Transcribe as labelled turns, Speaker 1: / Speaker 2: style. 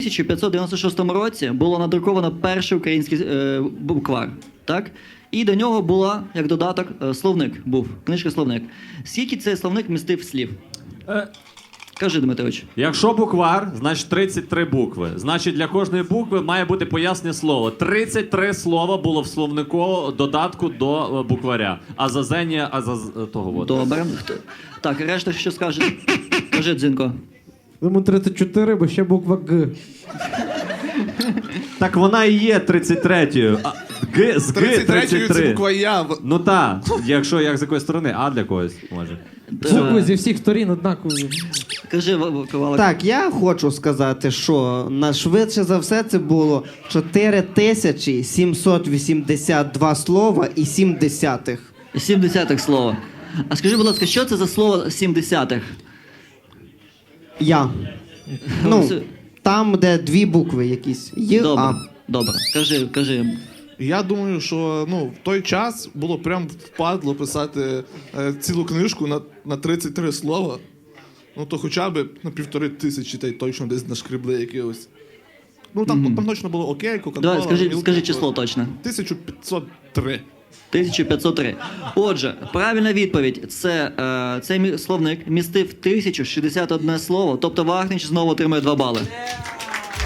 Speaker 1: 1596 році було надруковано перший український буквар, так? І до нього була, як додаток, словник був, книжка-словник. Скільки цей словник містив слів? Кажи, Дмитрович.
Speaker 2: Якщо буквар, значить 33 букви. Значить, для кожної букви має бути пояснення слово. 33 слова було в словнику додатку до букваря. Того от.
Speaker 1: Добре. Так, решта що скаже? Кажи, Дзінко.
Speaker 3: Тому 34, бо ще буква Г.
Speaker 2: Так вона і є 33-ю. Г з Г
Speaker 4: 33-ю це
Speaker 2: 33.
Speaker 4: буква Я.
Speaker 2: Ну так, якщо як з якоїсь сторони, а для когось може.
Speaker 3: Букви зі всіх сторін однакові.
Speaker 1: Кажи, Ковалик.
Speaker 5: Так, я хочу сказати, що швидше за все це було 4782 слова і 7 десятих.
Speaker 1: 7 десятих слова. А скажи, будь ласка, що це за слово 7 десятих?
Speaker 5: Я. Ну, там, де дві букви якісь.
Speaker 1: Добре,
Speaker 5: А.
Speaker 1: добре. Кажи.
Speaker 4: Я думаю, що в той час було прям впадло писати цілу книжку на 33 слова. Ну то хоча б на 1500 та й точно десь нашкребли якихось. Ну там точно було окей, Кока-Кола.
Speaker 1: Давай, скажи число точно.
Speaker 4: 1503.
Speaker 1: 1503. Отже, правильна відповідь. Цей словник містив 1061 слово, тобто Вахнич знову отримує 2 бали.